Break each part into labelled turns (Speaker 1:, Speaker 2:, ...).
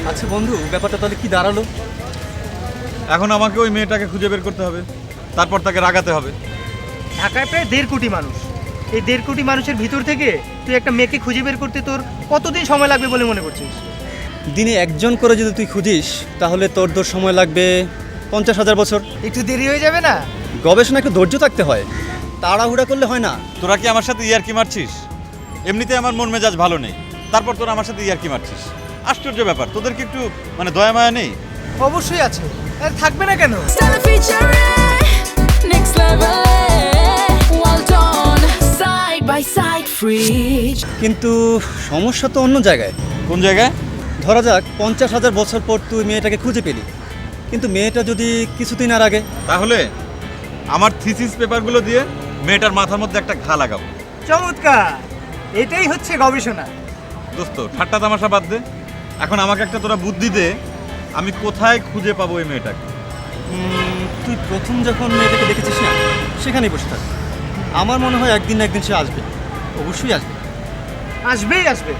Speaker 1: আচ্ছা বন্ধু, ব্যাপারটা তাহলে কি দাঁড়ালো?
Speaker 2: এখন আমাকে ওই মেয়েটাকে খুঁজে বের করতে হবে, তারপর তাকে রাগাতে হবে।
Speaker 3: ঢাকায় প্রায় 1.5 কোটি মানুষ। এই 1.5 কোটি মানুষের ভিতর থেকে তুই একটা মেয়েকে খুঁজে বের করতে তোর কতদিন সময় লাগবে বলে মনে করছিস?
Speaker 1: দিনে একজন করে যদি তুই খুঁজিস তাহলে তোর সময় লাগবে 50,000 বছর।
Speaker 3: একটু দেরি হয়ে যাবে না?
Speaker 1: গবেষণা একটু ধৈর্য থাকতে হয়, তাড়াহুড়া করলে হয় না।
Speaker 2: তোরা কি আমার সাথে ইয়ার্কি মারছিস? এমনিতে আমার মন মেজাজ ভালো নেই, তারপর তোরা আমার সাথে ইয়ার্কি মারছিস। আশ্চর্য ব্যাপার, তোদের কি একটু দয়া মায়া নেই?
Speaker 3: অবশ্যই আছে, আর থাকবে না কেন?
Speaker 4: Stella featuring next level. Well done, side by side, fridge.
Speaker 1: কিন্তু সমস্যা তো অন্য জায়গায়।
Speaker 2: কোন জায়গায়?
Speaker 1: ধরা যাক 50,000 বছর পর তুই মেয়েটাকে খুঁজে পেলি, কিন্তু মেয়েটা যদি কিছুদিন আর আগে।
Speaker 2: তাহলে আমার থিসিস পেপারগুলো দিয়ে মেয়েটার মাথার মধ্যে একটা ঘা লাগাবো।
Speaker 3: চমৎকার, এটাই হচ্ছে গবেষণা।
Speaker 2: দোস্ত, ঠাট্টা তামাশা বাদ দে। এখন আমাকে একটা তোরা বুদ্ধি দে, আমি কোথায় খুঁজে পাবো এই মেয়েটাকে।
Speaker 1: তুই প্রথম যখন মেয়েটাকে দেখেছিস না, সেখানেই বসে থাক। আমার মনে হয় একদিন না একদিন সে আসবে, অবশ্যই আসবে।
Speaker 3: আসবেই আসবে।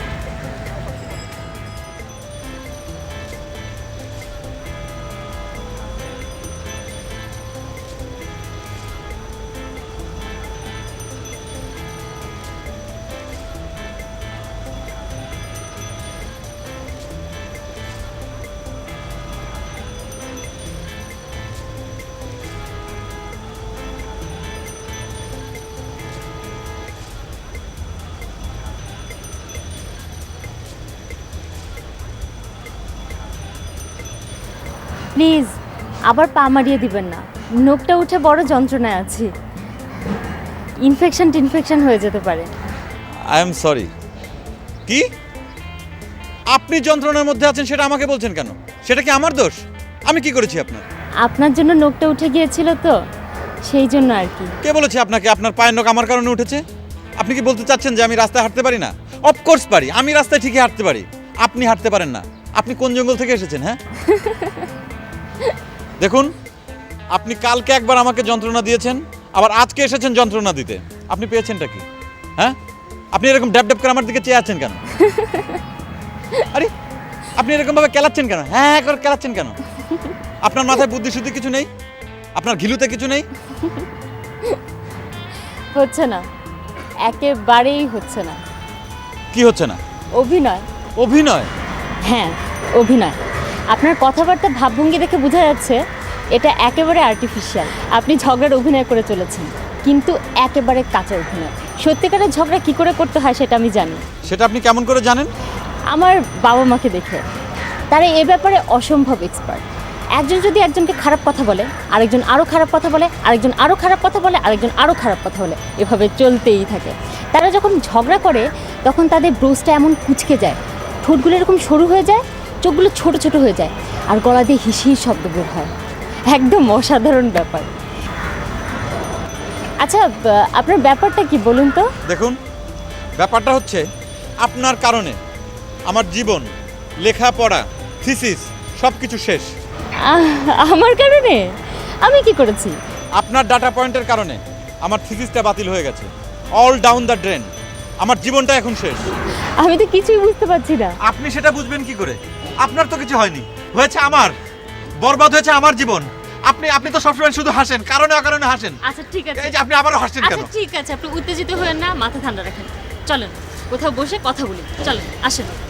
Speaker 5: প্লিজ আবার পা মারিয়ে দিবেন না, নোকটা উঠে বড় যন্ত্রণায় আছি। ইনফেকশন হয়ে যেতে পারে।
Speaker 2: I am sorry. কি? আপনি যন্ত্রণার মধ্যে আছেন সেটা আমাকে বলছেন কেন? সেটা কি আমার দোষ? আমি কি করেছি আপনার?
Speaker 5: আপনার জন্য নোকটা উঠে গিয়েছিল তো, সেই জন্য আর কি।
Speaker 2: কে বলেছে আপনাকে আপনার পায়ের নখ আমার কারণে উঠেছে? আপনি কি বলতে চাচ্ছেন যে আমি রাস্তায় হাঁটতে পারি না? অফকোর্স পারি, আমি রাস্তায় ঠিকই হাঁটতে পারি, আপনি হাঁটতে পারেন না। আপনি কোন জঙ্গল থেকে এসেছেন? হ্যাঁ দেখুন, আপনি কালকে একবার আমাকে যন্ত্রণা দিয়েছেন, আবার আজকে এসেছেন যন্ত্রণা দিতে। আপনি পেয়েছেনটা কি? হ্যাঁ, আপনি এরকম ড্যাব ড্যাব করে আমার দিকে চেয়ে আছেন কেন? আরে আপনি এরকম ভাবে কেলাচ্ছেন কেন? হ্যাঁ করে কেলাচ্ছেন কেন? আপনার মাথায় বুদ্ধি শুদ্ধি কিছু নেই? আপনার ঘিলুতে কিছু নেই?
Speaker 5: হচ্ছে না, একেবারেই হচ্ছে না।
Speaker 2: কি হচ্ছে না?
Speaker 5: অভিনয়।
Speaker 2: অভিনয়?
Speaker 5: হ্যাঁ, অভিনয়। আপনার কথাবার্তা ভাবভঙ্গি দেখে বোঝা যাচ্ছে এটা একেবারে আর্টিফিশিয়াল। আপনি ঝগড়ার অভিনয় করে চলেছেন, কিন্তু একেবারে কাঁচা অভিনয়। সত্যিকারের ঝগড়া কি করে করতে হয় সেটা আমি জানি।
Speaker 2: সেটা আপনি কেমন করে জানেন?
Speaker 5: আমার বাবা মাকে দেখে। তারা এ ব্যাপারে অসম্ভব এক্সপার্ট। একজন যদি একজনকে খারাপ কথা বলে, আরেকজন আরও খারাপ কথা বলে, আরেকজন আরও খারাপ কথা বলে, আরেকজন আরও খারাপ কথা বলে, এভাবে চলতেই থাকে। তারা যখন ঝগড়া করে তখন তাদের ব্রোজটা এমন কুঁচকে যায়, ঠোঁটগুলো এরকম সরু হয়ে যায়, চোখগুলো ছোট ছোট হয়ে যায়, আর গলা দিয়ে হিসির শব্দ বের হয়। একদম অসাধারণ ব্যাপার। আচ্ছা, আপনার ব্যাপারটা কি বলুন তো?
Speaker 2: দেখুন, ব্যাপারটা হচ্ছে আপনার কারণে আমার জীবন, লেখাপড়া, থিসিস সব কিছু শেষ।
Speaker 5: আমার কারণে? আমি কি করেছি?
Speaker 2: আপনার ডাটা পয়েন্টের কারণে আমার থিসিসটা বাতিল হয়ে গেছে। All down the drain. আমার জীবনটা এখন শেষ।
Speaker 5: আমি তো কিছুই বুঝতে পারছি না।
Speaker 2: আপনি সেটা বুঝবেন কি করে? আপনার তো কিছু হয়নি, হয়েছে আমার। বরবাদ হয়েছে আমার জীবন। আপনি তো সবসময় শুধু হাসেন, কারণে অকারণে হাসেন।
Speaker 5: আচ্ছা ঠিক আছে,
Speaker 2: এই যে আপনি আবারও হাসছেন কেন?
Speaker 5: আচ্ছা ঠিক আছে, আপনি উত্তেজিত হবেন না, মাথা ঠান্ডা রাখেন। চলেন কোথাও বসে কথা বলি, চলেন আসেন।